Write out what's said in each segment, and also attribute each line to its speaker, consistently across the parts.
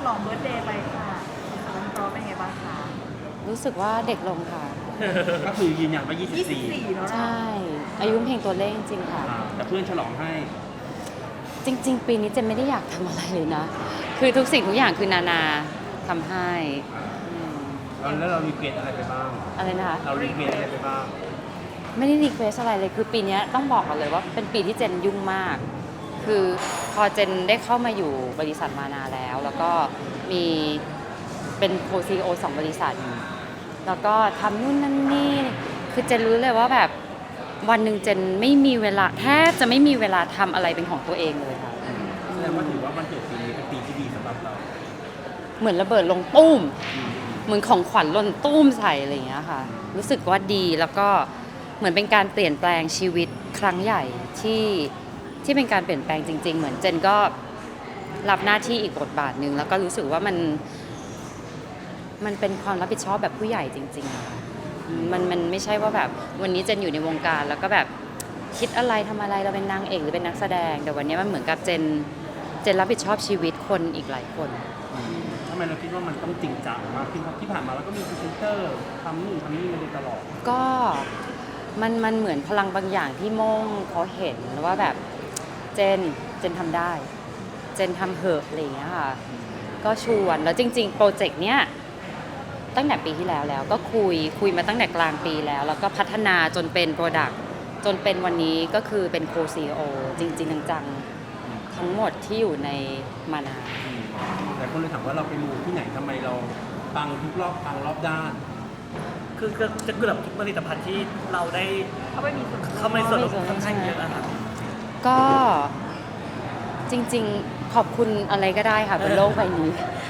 Speaker 1: องเบิร์ธเดย์ไปค่ะสำหรับน้องเป็นไงบ้างคะ
Speaker 2: รู้สึกว่าเด็กลงค่ะ
Speaker 3: ก็คือยืนยันว่า
Speaker 1: 24 เนาะ
Speaker 2: ใช่ อายุเป็นเพียงตัวเลขจริงๆค่ะ
Speaker 3: แต่เพื่อนฉลองให้
Speaker 2: จริง ๆ ปีนี้เจนไม่ได้อยากทำอะไรเลยนะ คือทุกสิ่งทุกอย่างคือนานาทำให้อืม
Speaker 3: แล้วเรารีเควสอะไรไปบ้าง
Speaker 2: อะไรนะคะ
Speaker 3: เรารีเควสอะไรไปบ้าง
Speaker 2: ไม่ได้รีเควสอะไรเลย คือปีนี้ต้องบอกก่อนเลยว่าเป็นปีที่เจนยุ่งมาก คือพอเจนได้เข้ามาอยู่บริษัทมานาแล้ว แล้วก็มีเป็นโคซีโอสองบริษัท แล้วก็ทำนู่นนั่นนี่ คือเจนรู้เลยว่าแบบวันหนึ่งเจนไม่มีเวลาแทบจะไม่มีเวลาทำอะไรเป็นของตัวเองเลยค่ะ
Speaker 3: แสดงว่าถือว่าวันเกิดปีนี้เป็นปีที่ดีสำหรับเรา
Speaker 2: เหมือนระเบิดลงตุ้ม เหมือนของขวัญหล่นตุ้มใส่อะไรอย่างเงี้ยค่ะ รู้สึกว่าดีแล้วก็เหมือนเป็นการเปลี่ยนแปลงชีวิตครั้งใหญ่ที่เป็นการเปลี่ยนแปลงจริง ๆ เหมือนเจนก็รับหน้าที่อีกบทบาทหนึ่งแล้วก็รู้สึกว่ามันเป็นความรับผิดชอบแบบผู้ใหญ่จริงๆอะค่ะมันไม่ใช่ว่าแบบวันนี้เจนอยู่ในวงการแล้วก็แบบคิดอะไรทำอะไรเราเป็นนางเอกหรือเป็นนักแสดง แต่วันนี้มันเหมือนกับเจนรับผิดชอบชีวิตคนอีกหลายคน
Speaker 3: ทำไมเราคิดว่ามันต้องจริงจังมากขึ้นเพราะที่ผ่านมาเราก็มีพรีเซนเตอร์ทำนู่นทำนี่มาโดยตลอด
Speaker 2: ก็มันเหมือนพลังบางอย่างที่โม่งเขาเห็นว่าแบบเจนทำได้ เจนทำเหอะอะไรอย่างเงี้ยค่ะ ก็ชวนแล้วจริงๆ โปรเจกต์เนี้ยตั้งแต่ปีที่แล้วก็คุยมาตั้งแต่กลางปีแล้วก็พัฒนาจนเป็นโปรดักต์จนเป็นวันนี้ก็คือเป็นโคซีโอจริงๆจังๆทั้งหมดที่อยู่ในมานา
Speaker 3: แต่คนเลยถามว่าเราไปมูที่ไหนทำไมเราปังทุกรอบปังรอบด้าน
Speaker 4: คือจะเกือบทุกผลิตภัณฑ์ที่เราได้
Speaker 1: เขาไม่มีส่วน
Speaker 4: เข้ามาในส่วนของค่อนข้างเยอะนะครับ
Speaker 2: ก็จริงๆขอบคุณอะไรก็ได้ค่ะบนโลกใบนี้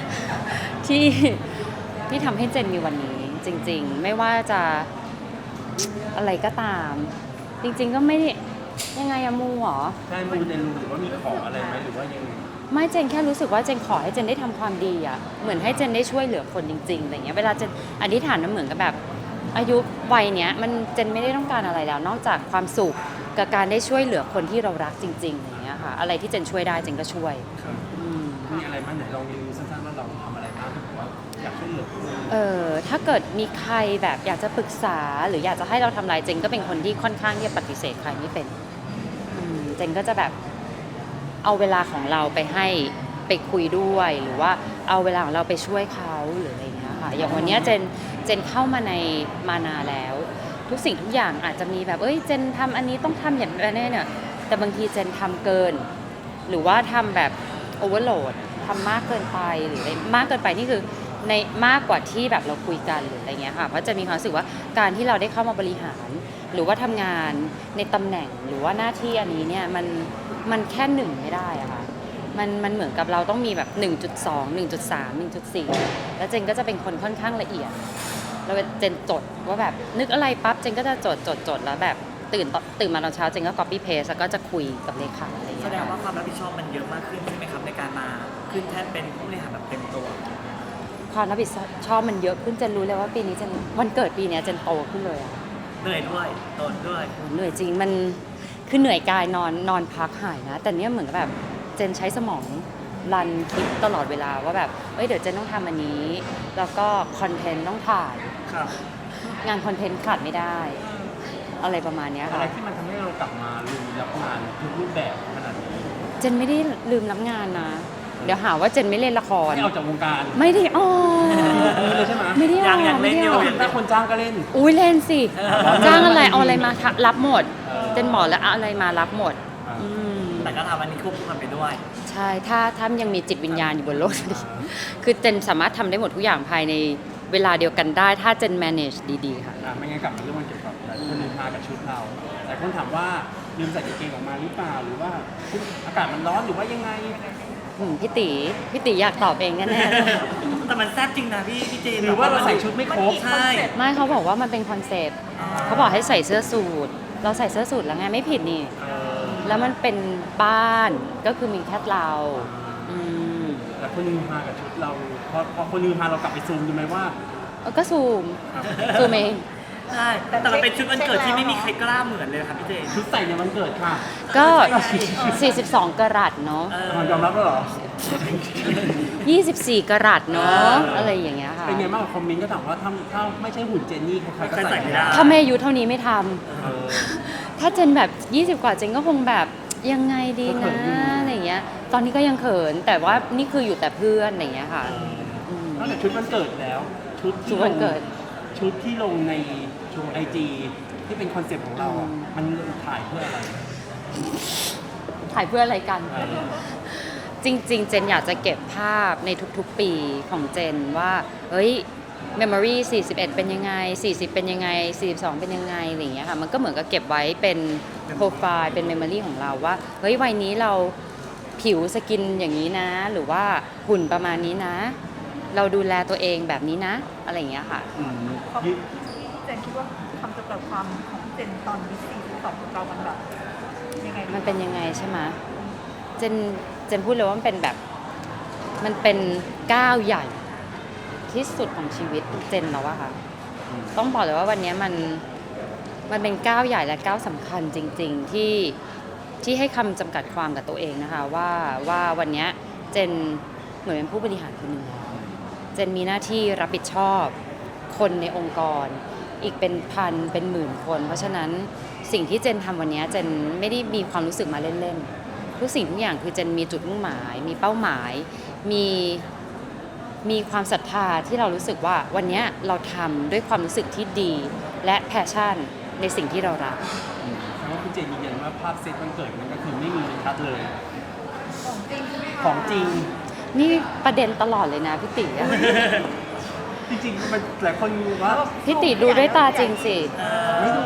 Speaker 2: ที่ทำให้เจนมีวันนี้ จริงๆ ไม่ว่าจะอะไรก็ตาม จริงๆก็ไม่ได้ยังไงอะมูเหรอ
Speaker 3: ใช่มูในรูหรือว่ามีของอะไรไหมหรือว่ายังไง
Speaker 2: ไม่เจนแค่รู้สึกว่าเจนขอให้เจนได้ทำความดีอะเหมือนให้เจนได้ช่วยเหลือคนจริงๆอะไรเงี้ยเวลาเจนอธิษฐานมันเหมือนกับแบบอายุวัยเนี้ยมันเจนไม่ได้ต้องการอะไรแล้ว นอกจากความสุขกับการได้ช่วยเหลือคนที่เรารักจริงๆอย่างเงี้ยค่ะอะไรที่เจนช่วยได้เจนก็ช่วยอืม
Speaker 3: มีอะไรบ้างไหนลองรีวิวสั้นๆว่าเราทำอะไรบ้างที่บอกว่าอยากช่วยเหลือคนอื่น
Speaker 2: ถ้าเกิดมีใครแบบอยากจะปรึกษาหรืออยากจะให้เราทำอะไรเจนก็เป็นคนที่ค่อนข้างที่จะปฏิเสธใครไม่เป็นเจนก็จะแบบเอาเวลาของเราไปให้ไปคุยด้วยหรือว่าเอาเวลาของเราไปช่วยเขาหรืออะไรอย่างเงี้ยค่ะอย่างวันเนี้ยเจนเข้ามาในมานาแล้ว ทุกสิ่งทุกอย่างอาจจะมีแบบเจนทำอันนี้ต้องทำอย่างนี้เนี่ยแต่บางทีเจนทำเกิน หรือว่าทำแบบโอเวอร์โหลดทำมากเกินไปหรืออะไรมากเกินไปนี่คือในมากกว่าที่แบบเราคุยกันหรืออะไรเงี้ยค่ะเพราะจะมีความรู้สึกว่าการที่เราได้เข้ามาบริหาร หรือว่าทำงานในตำแหน่งหรือว่าหน้าที่อันนี้เนี่ยมันแค่หนึ่งไม่ได้อะค่ะมันเหมือนกับเราต้องมีแบบ 1.2 1.3 1.4 แล้วเจนก็จะเป็นคนค่อนข้างละเอียดแล้วเจนจดว่าแบบนึกอะไรปั๊บเจนก็จะจดแล้วแบบตื่นมาตอนเช้าเจนก็ copy paste แล้วก็จะคุยกับเลขาอะไรอย่าง
Speaker 4: แส
Speaker 2: เงี้ย
Speaker 4: ดงว่า
Speaker 2: ค่ะ
Speaker 4: ความรับผิดชอบมันเยอะมากขึ้นใช่ไหมครับในการมาขึ้นแท่นเป็นผู้บริหารแบบเต็มตัว
Speaker 2: ความรับผิดชอบมันเยอะขึ้นเจนรู้เลยว่าปีนี้เจนวันเกิดปีเนี้ยเจนโตขึ้นเลยอะ
Speaker 4: เหนื่อยด้วยโดนด้วย
Speaker 2: เหนื่อยจริงมันคือเหนื่อยกายนอนพักหายนะ แต่เนี้ยเหมือนกับแบบเจนใช้สมองรันคิดตลอดเวลาว่าแบบเดี๋ยวเจนต้องทำอันนี้ แล้วก็คอนเทนต์ต้องถ่าย
Speaker 4: ครับ
Speaker 2: งานคอนเทนต์ขาดไม่ได้ อะไรประมาณเนี้ย
Speaker 3: อะไร
Speaker 2: ค่ะ
Speaker 3: ที่มันทำให้เรากลับมาลุยรับงานทุกรูปแบบขนาดนี้
Speaker 2: เจนไม่ได้ลืมรับงานนะ เดี๋ยวหาว่าเจนไม่เล่นละคร
Speaker 3: ไม่ออกจากวงการ
Speaker 2: ไม่ได้อ๋อ
Speaker 3: เลยใช่ไหม
Speaker 2: ไม่ได้
Speaker 4: ยังเล่นอยู่
Speaker 3: ถ้าคนจ้างก็เล่น
Speaker 2: อุ้ยเล่นสิจ้างอะไรเอาอะไรมารับหมด เจนบอกแล้วเอาอะไรมารับหมดอืม
Speaker 4: แต่ก็ทำอันนี้ควบคู่กันไปด้วย
Speaker 2: ใช่ถ้ายังมีจิตวิญญาณอยู่บนโลกนี้คือเจนสามารถทำได้หมดทุกอย่างภายในเวลาเดียวกันได้ ถ้าเจน manage ดีๆค่ะ
Speaker 3: ไม่งั้นกลับมาเรื่องวันเกี่ยวกับหลายคนลืมมากับชุดเราหลายคนถามว่าลืมใส่กางเกงออกมาหรือเปล่าหรือว่าอากาศมันร้อนหรือว่ายังไง
Speaker 2: พี่ตีอยากตอบเองแน่ๆเลย
Speaker 4: แต่มันแซ่บจริงนะพี่เจน
Speaker 3: หรือว่าเราใส่ชุดไม่ครบ
Speaker 4: ใช่
Speaker 2: ไม่เขาบอกว่ามันเป็นคอนเซปต์เขาบอกให้ใส่เสื้อสูทเราใส่เสื้อสูทแล้วไงไม่ผิดนี่ แล้วมันเป็นบ้านก็คือมีแค่เราอืม
Speaker 3: แต่คนลืมมากับชุดเราพอคนลืมมาเรากลับไปซูมดูไหมว่า
Speaker 2: ก็ซูมเอง
Speaker 4: ใช่แต่มันเป็นชุดวันเกิดที่ไม่มีใครกล้าเหมือนเลยครับพี่เจน
Speaker 3: ชุดใส่ในวันเกิดค่ะ
Speaker 2: ก็ 42 กะรัตเนาะ
Speaker 3: ยอมรับแล้วเหรอ
Speaker 2: 24 กะรัตเนาะอะไรอย่างเงี้ยค่ะ
Speaker 3: เป็นไงบ้างกับคอมเมนต์ก็ถามว่าถ้าไม่ใช่หุ่นเจนนี่ใครๆก็ใส่ไม่ได้
Speaker 2: ถ้าแม่อายุเท่านี้ไม่ทำ
Speaker 3: เออ
Speaker 2: ถ้าเจนแบบ 20 กว่าเจนก็คงแบบยังไงดี
Speaker 3: ก็เขิ
Speaker 2: นะ
Speaker 3: นอยู่
Speaker 2: อะไรอย่างเงี้ย ตอนนี้ก็ยังเขิน แต่ว่านี่คืออยู่แต่เพื่อนอะไรอย่างเงี้ยค่ะม
Speaker 3: นอกจากชุดวันเกิดแล้ว ชุด
Speaker 2: ชุ
Speaker 3: ที่
Speaker 2: ดวันเกิด
Speaker 3: ชุดที่ลงในไอจีที่เป็นคอนเซ็ปต์ของเราอ่ะ
Speaker 2: อืม
Speaker 3: มันถ่ายเพื่ออะไร
Speaker 2: ถ่ายเพื่ออะไรกัน
Speaker 3: เออ
Speaker 2: จริงๆ เจนอยากจะเก็บภาพในทุกๆ ปีของเจนว่าเฮ้ย memory 41 เป็นยังไง 40 เป็นยังไง 42 เป็นยังไงอะไรอย่างเงี้ยค่ะ มันก็เหมือนกับเก็บไว้เป็นโปรไฟล์เป็น memory ของเราว่า เฮ้ย วัยนี้เราผิวสกินอย่างนี้นะ หรือว่าหุ่นประมาณนี้นะ เราดูแลตัวเองแบบนี้นะ อะไรอย่างเงี้ยค่ะ
Speaker 3: อืม
Speaker 1: ที่เจนคิดว่าคำจำกัดความของเจนตอนนี้42ของเรามันแบบยังไงดี
Speaker 2: มันเป็นยังไงใช่ไหมเจนพูดเลยว่ามันเป็นแบบ มันเป็นก้าวใหญ่ที่สุดของชีวิตเจนแล้วอะค่ะ
Speaker 3: อืม
Speaker 2: ต้องบอกเลยว่าวันนี้มันเป็นก้าวใหญ่และก้าวสำคัญจริง ๆ ที่ให้คำจำกัดความกับตัวเองนะคะว่าวันนี้เจนเหมือนเป็นผู้บริหารคนหนึ่งแล้วเจนมีหน้าที่รับผิดชอบคนในองค์กร อีกเป็นพันเป็นหมื่นคน เพราะฉะนั้นสิ่งที่เจนทำวันนี้เจนไม่ได้มีความรู้สึกมาเล่นๆทุกสิ่งทุกอย่างคือเจนมีจุดมุ่งหมาย มีเป้าหมาย มีความศรัทธาที่เรารู้สึกว่าวันนี้เราทำด้วยความรู้สึกที่ดี และแพชชั่นในสิ่งที่เรารัก
Speaker 3: แต่ว่าคุณเจนยืนยันว่าภาพเซตวันเกิดมันก็คือไม่มีในคัดเลย
Speaker 1: ของจริงใช่ไหมคะ
Speaker 3: ของจริง
Speaker 2: นี่ประเด็นตลอดเลยนะพี่ติอะ
Speaker 3: จริงๆมันหลายคนว่า
Speaker 2: พี่ติดูด้วยตาจริงสิ
Speaker 3: ไม่ดู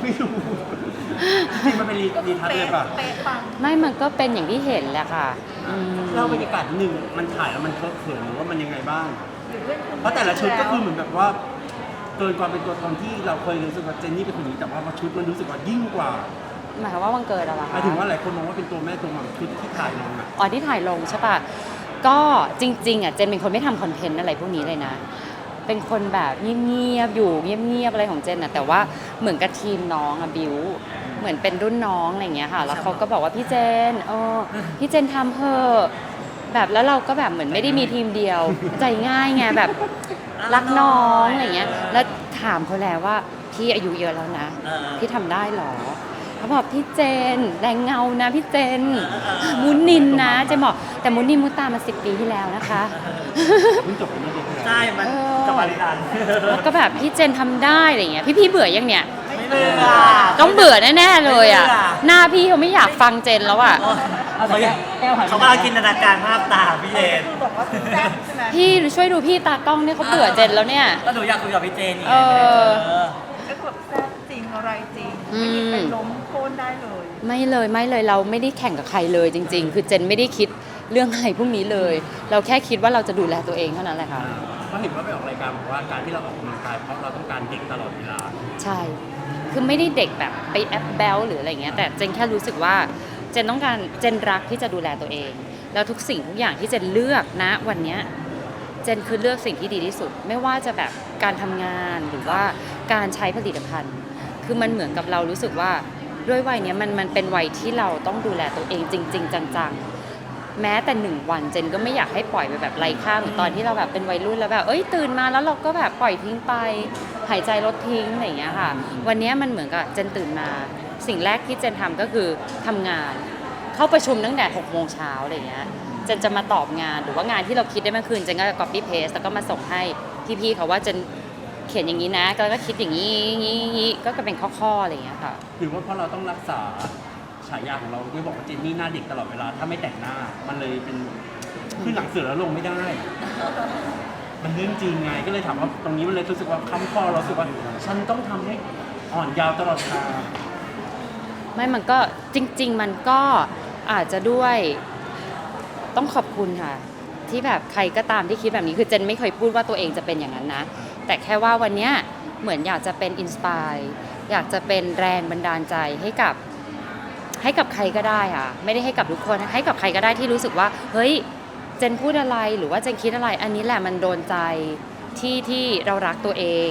Speaker 3: จริงๆมันเป็นรีทัชเลยป่ะ
Speaker 1: เป๊ะปัง
Speaker 2: ไม่มันก็เป็นอย่างที่เห็นแหละค่ะอืม
Speaker 3: เล่าบรรยากาศนิดนึงมันถ่ายแล้วมันเคอะเขินหรือว่ามันยังไงบ้าง
Speaker 1: หรือเพื่อนคุณ
Speaker 3: เพราะแต่ละชุดก็คือเหมือนแบบว่าเกินความเป็นตัวตนที่เราเคยรู้สึกว่าเจนนี่เป็นคนนี้แต่ว่าพอชุดมันรู้สึกว่ายิ่งกว่า
Speaker 2: หมายความว่าวันเกิดอะไร
Speaker 3: ห
Speaker 2: คะ
Speaker 3: มายถึงว่าหลายคนมองว่าเป็นตัวแม่ตัวหม่ำชุดที่ถ่ายลงอ่ะ
Speaker 2: อ๋อที่ถ่ายลงใช่ป่ะ ก็จริงๆอ่ะเจนเป็นคนไม่ทำคอนเทนต์อะไรพวกนี้เลยนะ เป็นคนแบบเงียบๆอยู่เงียบๆอะไรของเจนอ่ะแต่ว่าเหมือนกับทีมน้องอะบิวเหมือนเป็นรุ่นน้องอะไรอย่างเงี้ยค่ะ แล้วเขาก็บอกว่าพี่เจนพี่เจนทำเถอะแบบแล้วเราก็แบบเหมือนไม่ได้มีทีมเดียว ใจง่ายไงแบบรักน้องอะไรอย่างเงี้ยแล้วถามเขาแล้วว่าพี่อายุเยอะแล้วนะ พี่ทำได้เหรอเขาบอกพี่เจนแรงเงานะพี่เจนมุนินนะเจนบอกแต่มุนินมุตามา10 ปีที่แล้วนะคะ
Speaker 3: เพิ่งจบไปเมื่อเดือนที่แล้ว
Speaker 4: ใช่มัน
Speaker 2: เออ
Speaker 4: กับบริการ
Speaker 2: แล้วก็แบบพี่เจนทำได้อะไรเงี้ยพี่เบื่อยังเนี่ย
Speaker 4: ไม่เบื่อ
Speaker 2: ต้องเบื่อแน่ๆเลยอ่ะ
Speaker 4: ไม่เบื่อ
Speaker 2: หน้าพี่เขาไม่อยากฟังเจนแล้วอ่ะ
Speaker 4: เขาอยากเขากำลังจินตนาการภาพตามพี่เจน
Speaker 1: คือบอกว่าแซ่บใช่ไหม
Speaker 2: พี่ช่วยดูพี่ตากล้องเนี่ยเขาเบื่อเจนแล้วเนี่ย
Speaker 4: ก็หนูอยากคุยกับพี่เจนนี่ไง
Speaker 2: เออ
Speaker 1: ก็คือแบบแซ่บจริงอะไรจริง
Speaker 2: อื
Speaker 1: ไม่
Speaker 2: ม
Speaker 1: มีเป็นล้มโค่นได้เลย
Speaker 2: ไม่เลยเราไม่ได้แข่งกับใครเลยจริง ๆ คือเจนไม่ได้คิดเรื่องอะไรพวกนี้เลย เราแค่คิดว่าเราจะดูแลตัวเองเท่านั้นแหละค่ะ
Speaker 3: เพราะเห็นว่าไปออกรายการบอกว่าการที่เราออกกำลังกายเพราะเราต้องการเด็กตลอดเวลา
Speaker 2: ใช่ คือไม่ได้เด็กแบบไปแอปแบลหรืออะไรเงี้ย แต่เจนแค่รู้สึกว่าเจนต้องการเจนรักที่จะดูแลตัวเอง แล้วทุกสิ่งทุกอย่างที่เจนเลือกนะวันเนี้ยเจนคือเลือกสิ่งที่ดีที่สุด ไม่ว่าจะแบบการทำงานหรือว่าการใช้ผลิตภัณฑ์ คือมันเหมือนกับเรารู้สึกว่าด้วยวัยเนี้ยมันเป็นวัยที่เราต้องดูแลตัวเองจริง ๆ จังๆ แม้แต่1 วันเจนก็ไม่อยากให้ปล่อยไปแบบไร้ค่าเหมือนตอนที่เราแบบเป็นวัยรุ่นแล้วแบบตื่นมาแล้วเราก็แบบปล่อยทิ้งไปหายใจลดทิ้งอะไรอย่างเงี้ยค่ะ วันเนี้ยมันเหมือนกับเจนตื่นมาสิ่งแรกที่เจนทำก็คือทำงาน เข้าประชุมตั้งแต่6 โมงเช้าอะไรอย่างเงี้ยเจนจะมาตอบงานหรือว่างานที่เราคิดได้เมื่อคืนเจนก็จะ copy paste แล้วก็มาส่งให้พี่ๆเขาว่าเจนเขียนอย่างนี้นะแล้วก็คิดอย่างนี้ก็เป็นข้อๆอะไรอย่างเงี้ยค่ะ
Speaker 3: หรือว่าเพราะเราต้องรักษาฉายาของเราที่บอกว่าเจนนี่หน้าเด็กตลอดเวลาถ้าไม่แต่งหน้า มันเลยเป็นขึ้นหลังเสือแล้วลงไม่ได้ มันเรื่องจริงไงก็เลยถามว่าตรงนี้มันเลยรู้สึกว่าค้ำคอเรารู้สึกว่าฉันต้องทำให้อ่อนยาวตลอดเวลา
Speaker 2: ไม่มันก็จริง ๆ มันก็อาจจะด้วยต้องขอบคุณค่ะ ที่แบบใครก็ตามที่คิดแบบนี้คือเจนไม่เคยพูดว่าตัวเองจะเป็นอย่างนั้นนะ แต่แค่ว่าวันเนี้ยเหมือนอยากจะเป็นอินสปายอยากจะเป็นแรงบันดาลใจให้กับใครก็ได้ค่ะไม่ได้ให้กับทุกคนให้กับใครก็ได้ที่รู้สึกว่าเฮ้ยเจนพูดอะไรหรือว่าเจนคิดอะไร อันนี้แหละมันโดนใจที่เรารักตัวเอง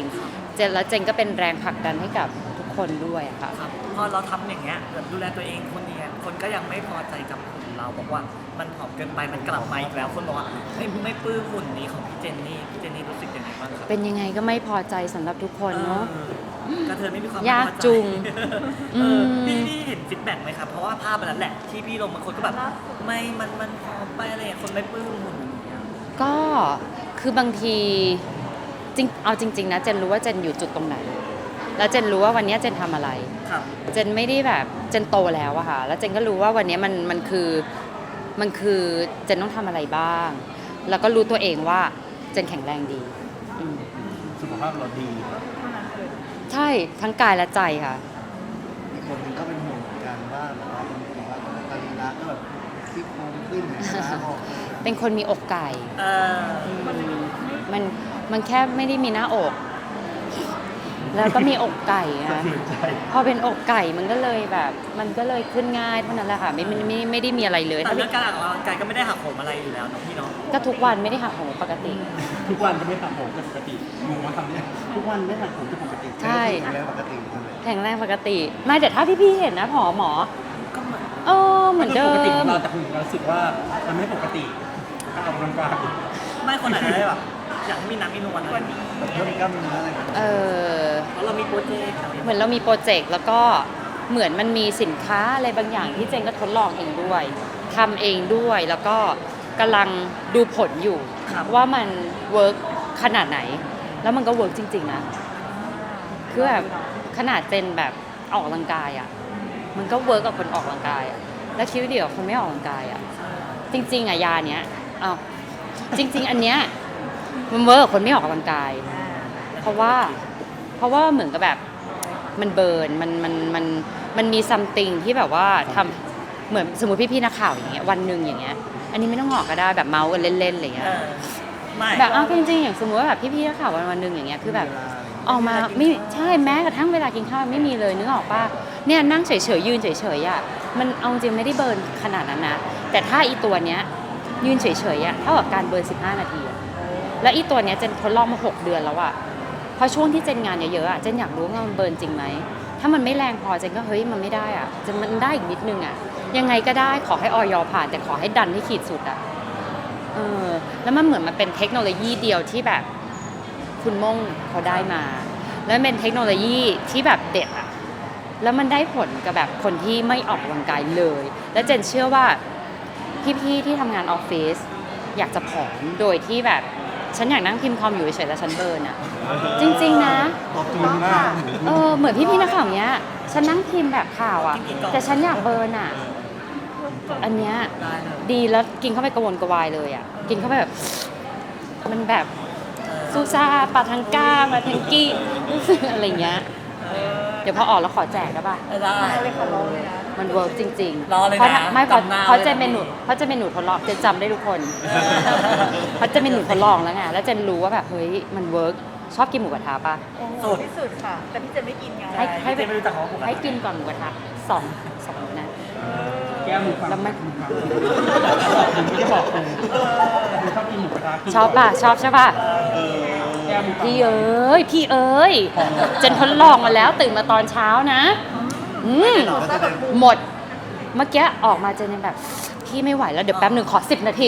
Speaker 2: เจนก็เป็นแรงผลักดันให้กับทุกคนด้วยอะค่ะ
Speaker 4: ครับพอเราทำอย่างเงี้ยแบบดูแลตัวเองคนเนี้ยคนก็ยังไม่พอใจกับหุ่นเราบอกว่ามันผอมเกินไปมันกลับมาอีกแล้วคนบอกว่าไม่ปลื้มหุ่นนี้ของพี่เจนนี่รู้สึกยังไงบ้างครับ
Speaker 2: เป็นยังไงก็ไม่พอใจสำหรับทุกคนเนาะ
Speaker 4: กระเทยไม่มีความ
Speaker 2: ยาก
Speaker 4: พอใจ
Speaker 2: จุง
Speaker 4: เออ
Speaker 2: ม
Speaker 4: พี่เห็นฟีดแบ็กไหมครับเพราะว่าภาพมันนั้นแหละที่พี่ลงบางคนก็แบบไม่มันผอมไปอะไรอย่างคนไม่ปลื้มหุ่นอย่างเงี้ย
Speaker 2: ก็คือบางทีเอาจริงๆนะเจนรู้ว่าเจนอยู่จุดตรงไหน แล้วเจนรู้ว่าวันนี้เจนทำอะไร
Speaker 4: ครับ
Speaker 2: เจนไม่ได้แบบเจนโตแล้วอะค่ะแล้วเจนก็รู้ว่าวันนี้มันคือเจนต้องทำอะไรบ้าง แล้วก็รู้ตัวเองว่าเจนแข็งแรงดีอืม
Speaker 3: สุขภาพเราดี
Speaker 1: เท่านั้นเลย
Speaker 2: ใช่ทั้งกายและใจค่ะ
Speaker 5: อีกคนหนึงก็เป็นห่วงเหมือนกันว่าแบบว่าบางทีว่าตาลีลาก็แบบซี่โครงขึ้นแหนขาออก
Speaker 2: เป็นคนมีอกไก่
Speaker 4: เออ
Speaker 2: มันแค่ไม่ได้มีหน้าอก แล้วก็มีอกไก่
Speaker 3: สะ
Speaker 2: นะ
Speaker 3: เทือนใจ
Speaker 2: พอเป็นอกไก่มันก็เลยแบบ มันก็เลยขึ้นง่ายเท่านั้นแหละค่ะไม่ได้มีอะไรเลย
Speaker 4: แต่เรื่องการออกกำลังกายก็ไม่ได้หักโหมอะไรอยู่แล้วเนาะพี่เนาะ
Speaker 2: ก็ทุกวันไม่ได้หักโหมปกติ
Speaker 3: ทุกวันจะไม่ทำผมเป็นปกติงงว่าทำเนี่ยทุกวันไม่ทำผมเป็นปกติ
Speaker 2: ใช่
Speaker 5: แข็งแรงปกติใช่ไหม
Speaker 2: แข็งแรงปกติไม่แต่ถ้าพี่ๆเห็นนะหมอ
Speaker 4: ก็เหมือน
Speaker 2: เหมือนเดิ
Speaker 3: ปกติของ
Speaker 2: ม
Speaker 3: เราแต่คุณเรารู้สึกว่ามันไม่ปกติการออกกำลังกาย
Speaker 4: ไม่คนไหนได้แบบอยากให้มีน้ำมีนวลอะไรอย่างเงี้ย
Speaker 5: แบบเพิ่มกล้ามเนื้ออะไรแบบนี้
Speaker 4: เพราะเรามีโปรเจกต์อะไรอย่าง
Speaker 2: เห
Speaker 4: เงี้ย
Speaker 2: มือนเรามีโปรเจกต์แล้วก็เหมือนมันมีสินค้าอะไรบางอย่างที่เจนก็ทดลองเองด้วยทำเองด้วยแล้วก็กำลังดูผลอยู่ว่ามันเวิร์กขนาดไหน แล้วมันก็เวิร์กจริงๆนะคือแบบขนาดเจนแบบออกกำลังกายอ่ะมันก็เวิร์กกับคนออกกำลังกายอ่ะแล้วคิดว่าเดี๋ยวคนไม่ออกกำลังกายอ่ะจริงๆอ่ะยาเนี้ยจริง ๆ อันเนี้ยมันเวิร์กกับคนไม่ออกกำลังกาย เพราะว่าเหมือนกับแบบมันเบิร์นมันมีซัมติงที่แบบว่าทำเหมือนสมมติพี่ๆนักข่าวอย่างเงี้ยวันหนึ่งอย่างเงี้ยอันนี้ไม่ต้องออกก็ได้แบบเมาส์กันเล่นๆอะไรเงี้ย
Speaker 4: ไม่
Speaker 2: แบบจริงๆอย่างสมมติว่าแบบพี่ๆนักข่าววันหนึ่งอย่างเงี้ยคือแบบออกมาไม่ใช่แม้กระทั่งเวลากินข้าวไม่มีเลยนึกออกป่ะเนี่ยนั่งเฉยๆยืนเฉยๆอ่ะมันเอาจริงไม่ได้เบิร์นขนาดนั้นนะแต่ถ้าอีตัวเนี้ยยืนเฉยๆอ่ะเท่ากับการเบิร์น15 นาทีอะแล้วอีตัวเนี้ยเจนทดลองมา6 เดือนแล้วอ่ะพอช่วงที่เจนงานเยอะๆอ่ะเจนอยากรู้ว่ามันเบิร์นจริงไหมถ้ามันไม่แรงพอเจนก็เฮ้ยมันไม่ได้อ่ะจะมันได้อีกนิดนึงอ่ะยังไงก็ได้ขอให้ออยผ่านแต่ขอให้ดันให้ขีดสุดอ่ะแล้วมันเหมือนมันเป็นเทคโนโลยีเดียวที่แบบคุณม่งเขาได้มา แล้วมันเป็นเทคโนโลยีที่แบบเด็ดอ่ะแล้วมันได้ผลกับแบบคนที่ไม่ออกกำลังกายเลย แล้วเจนเชื่อว่าพี่ๆที่ทำงานออฟฟิศอยากจะผอมโดยที่แบบฉันอยากนั่งพิมพ์คอมอยู่เฉยๆแล้วฉันเบิร์นอ่ะจริงๆนะ
Speaker 5: ตอบโจทย์มาก
Speaker 2: เหมือนพี่ๆนักข่าวเนี้ยฉันนั่งพิมพ์แบบข่าวอ่ะแต่ฉันอยากเบิร์นอ่ะอันเนี้ย
Speaker 4: ได้เลย
Speaker 2: ดีแล้วกินเข้าไปกระวนกระวายเลยอ่ะกินเข้าไปแบบมันแบบซูซาปาทังก้ามาทังกี้ อะไรเงี้ยเดี๋ยวพอออกแล้วขอแจกได้ป่ะ
Speaker 4: ได้
Speaker 1: เลยขอร้องเลยนะ
Speaker 2: มันเวิร์กจริง
Speaker 4: รอเลยนะ
Speaker 2: เพราะถ้าไม่เพราะ
Speaker 4: จำหน้า
Speaker 2: เพราะ
Speaker 4: ไว้
Speaker 2: เจน
Speaker 4: นะ
Speaker 2: เมนูเพราะเจนเมนูทดลองเจนจำได้ทุกคนเพราะเจนเมนูทดลองแล้วไงแล้วเจนรู้ว่าแบบเฮ้ยมันเวิร์กชอบกินหมูกระทะป่ะ
Speaker 1: โอ้โหที่สุดค่ะ แต่พี่เจนไม่กินไง
Speaker 2: ให้
Speaker 4: เจนไม่รู้จักของผม
Speaker 2: ให้กินก่อนหมูกระทะสองนะ
Speaker 3: แก้มือฟัง
Speaker 2: แล้วไม่
Speaker 3: ผมไม่ได้บอกคุณชอบกินหมูกระทะ
Speaker 2: ชอบป่ะชอบใช่ป่ะ
Speaker 3: แก้มือฟัง
Speaker 2: พี่เอ้ยเจนทดลองมาแล้วตื่นมาตอนเช้านะหมดเมื่อกี้ออกมาเจนยังแบบพี่ไม่ไหวแล้วเดี๋ยวแป๊บหนึ่งขอ10 นาที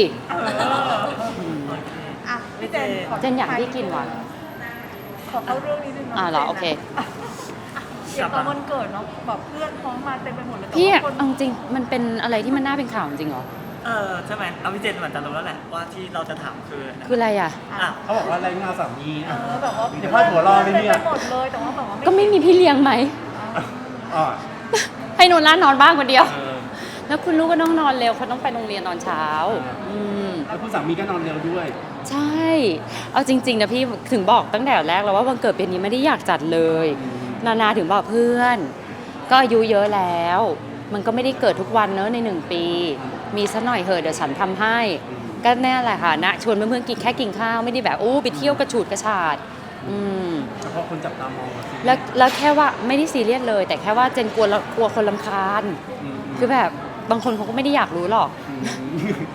Speaker 1: อ่ะพี่เจนข
Speaker 2: เจนอยากให้กินว่ะ
Speaker 1: ขอเข้าเรื่องนี้นึงเนาะ
Speaker 2: เหรอโอเค
Speaker 1: อย่างตอนวันเกิดเนาะแบบเพื่อนพ้องมาเต็มไปหมดเลยแต่
Speaker 2: พี่
Speaker 1: ว่าคน
Speaker 2: เอาจริงมันเป็นอะไรที่มันน่าเป็นข่าวจริงเหรอ
Speaker 4: ใช่ไหมเอาพี่เจนเหมือนจะรู้แล้วแหละว่าที่เราจะถามคือ
Speaker 2: คืออะไรอ่ะ
Speaker 4: อ่ะ
Speaker 3: เขาบอกว่าอะไรเงาสามี
Speaker 1: แบบว่า
Speaker 3: เดี๋ยวพาดหัวรอเลยเนี่ย
Speaker 1: ต็มไปหมดเลยแต่ว่าแบบว่า
Speaker 2: ก็ไม่มีพี่เลี้ยงไหม
Speaker 3: อ๋อ
Speaker 2: ให้นอนร้านนอนบ้างคนเดียว
Speaker 3: เออ
Speaker 2: แล้วคุณลูกก็ต้องนอนเร็วเขาต้องไปโรงเรียนตอนเช้า
Speaker 3: แล้วคุณสามีก็นอนเร็วด้วย
Speaker 2: ใช่ เอาจริงๆนะพี่ถึงบอกตั้งแต่แรกแล้วว่าวันเกิดปีนี้ไม่ได้อยากจัดเลย นาถึงบอกเพื่อน ก็อายุเยอะแล้ว มันก็ไม่ได้เกิดทุกวันเนอะใน1 ปี มีซะหน่อยเหอะเดี๋ยวฉันทำให้ ก็แน่แหละค่ะนะชวนเพื่อนๆกินแค่กินข้าวไม่ได้แบบไปเที่ยวกระฉูดกระชาด
Speaker 3: เฉพาะคนจับตามองอะสิ
Speaker 2: แล้วแค่ว่าไม่ได้ซีเรียสเลย แต่แค่ว่าเจนกลัวคนรำคาญ คือแบบบางคนเขาก็ไม่ได้อยากรู้หรอก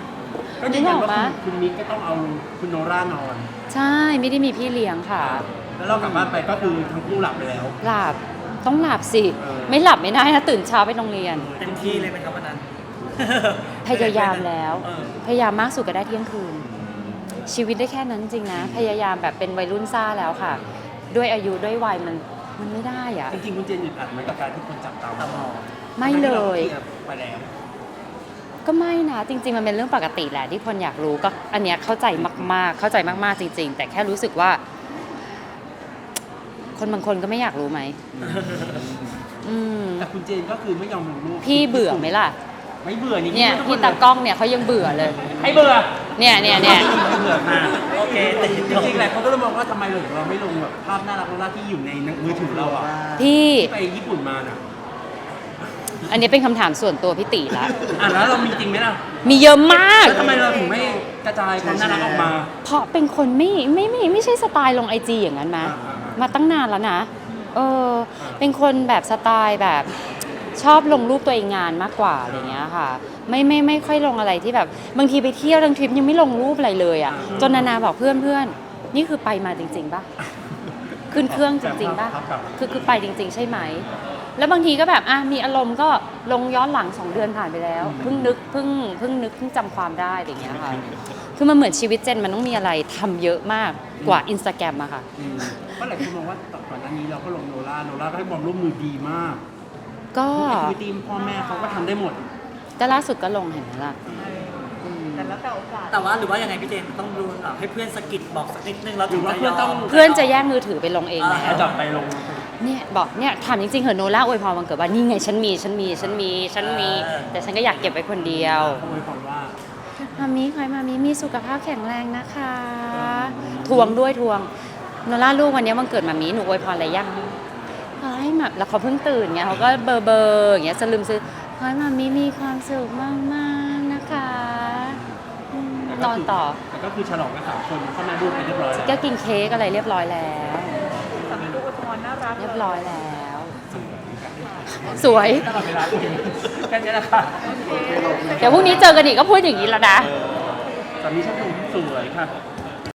Speaker 3: ก็ยืนยัน
Speaker 2: นึกออก
Speaker 3: ว่า
Speaker 2: ปะ
Speaker 3: คุณมิกก็ต้องเอาคุณโนร่านอน
Speaker 2: ใช่ไม่ได้มีพี่เลี้ยงค่ะ
Speaker 3: แล้วเรากลับบ้านไปก็คือทั้งคู่หลับไปแล้ว
Speaker 2: หลับต้องหลับสิ
Speaker 3: เออ
Speaker 2: ไม่หลับไม่ได้นะตื่นเช้าไปโรงเรียน
Speaker 4: เต็มที่เลยไหมครับวันนั้น
Speaker 2: พยายามแล้ว
Speaker 3: เออ
Speaker 2: พยายามมากสุดก็ได้เที่ยงคืน ชีวิตได้แค่นั้นจริงนะ พยายามแบบเป็นวัยรุ่นซ่าแล้วค่ะ ด้วยอายุด้วยวัยมันไม่ได้อะ
Speaker 3: จริงๆคุณเจนอึดอัดไหมกับการที่คนจับตาม
Speaker 4: ตามอง
Speaker 2: ไม่เลย
Speaker 3: ทั้งที่ราคลีร์ไปแล้ว
Speaker 2: ก็ไม่นะจริง ๆ มันเป็นเรื่องปกติแหละที่คนอยากรู้ก็อันเนี้ยเข้าใจมากๆ เข้าใจมากๆจริง ๆ แต่แค่รู้สึกว่า คนบางคนก็ไม่อยากรู้ไหมอืม
Speaker 3: แต่คุณเจนก็คือไม่ยอมลงรูป
Speaker 2: พี่เบื่อไหมล่ะ
Speaker 3: ไม่เบื่อนี่
Speaker 2: เนี่ย
Speaker 3: ทุกค
Speaker 2: พี่
Speaker 3: ล
Speaker 2: ตากล้องเนี่ยเขายังเบื่อเลย
Speaker 3: ให้เบื่อ
Speaker 2: เนี่ย
Speaker 3: ไม่เบื่อมา
Speaker 4: โอเคแต่
Speaker 3: จริงๆแหละเขาก็เลยมองว่าทำไมเราไม่ลงแบบภาพน่ารักที่อยู่ในมือถือเราอ่ะ
Speaker 2: พี่
Speaker 3: ที่ไปญี่ปุ่นมาน่ะ
Speaker 2: อันนี้เป็นคำถามส่วนตัวพี่ติละ
Speaker 3: แล้วเรามีจริงไหมล่ะ
Speaker 2: มีเยอะมาก
Speaker 3: แล้วทำไมเราถึงไม่กระจายความน่ารักออกมา
Speaker 2: เพราะเป็นคนไม่ใช่สไตล์ลงไอจีอย่างนั้นนะ มาตั้งนานแล้วนะ เป็นคนแบบสไตล์แบบชอบลงรูปตัวเองงานมากกว่าอะไรเงี้ยค่ะ ไม่ค่อยลงอะไรที่แบบบางทีไปเที่ยวทั้งทริปยังไม่ลงรูปอะไรเลยอ่ะจนนาบอกเพื่อนนี่คือไปมาจริงๆป่ะขึ้นเครื่องจริงๆป่ะคือไปจริง ๆ ใช่ไหมแล้วบางทีก็แบบมีอารมณ์ก็ลงย้อนหลัง2 เดือนผ่านไปแล้วเพิ่งนึกเพิ่งจำความได้อะไรเงี้ยค่ะคือมันเหมือนชีวิตเจนมันต้องมีอะไรทำเยอะมากกว่า Instagram อะค่ะ
Speaker 3: ก็หลายคนมองว่าก่อนหน้านี้เราก็ลงโนล่าก็ให้ความร่วมมือดีมาก
Speaker 2: ก็
Speaker 3: ทุกแอคทิวิตี้พ่อแม่เขาก็ทำได้หมด
Speaker 2: แต่ล่าสุดก็ลงเห็นไหมล่ะ
Speaker 1: แต่แล้วแต่โอกาส
Speaker 4: แต่ว่าหรือว่ายังไงพี่เจนต้องดูให้เพื่อนสะกิดบอกสักนิดนึงเราถึงจะยอม
Speaker 2: เพื่อนจะแย่งมือถือไปลงเองแล้
Speaker 3: แล้ว
Speaker 2: ว
Speaker 3: จับไปลง
Speaker 2: เนี่ยบอกเนี่ยถามจริงๆเหอะโนล่าอวยพรวันเกิดว่านี่ไงฉันมี แต่ฉันก็อยากเก็บไว้คนเดียว
Speaker 3: เขาอวยพรว่า
Speaker 2: มามีขอให้มามีสุขภาพแข็งแรงนะคะทวงด้วยทวงโนล่าลูกวันนี้วันเกิดมามีหนูอวยพรอะไรยังขอให้แบบแล้วเขาเพิ่งตื่นไงเขาก็เบอร์อย่างเงี้ยสลืมซื้อขอให้มามีความสุขมากๆนะคะนอนต่อ
Speaker 3: แต่ก็คือฉลองกัน3 คนพ่อแม่ลูกไปเรียบร้อยแล้ว
Speaker 2: ก็กินเค้กอะไรเรียบร้อยแล้ว
Speaker 1: สามีลูกอวยพรน่ารัก
Speaker 2: เรียบร้อยแล้ว สวย
Speaker 3: ตลอดเวลาแค่นี้แหละค่ะ
Speaker 2: เดี๋ยวพรุ่งนี้เจอกันอีกก็พูดอย่างนี้แล้วนะ
Speaker 3: สามีชอบดูสวยค่ะ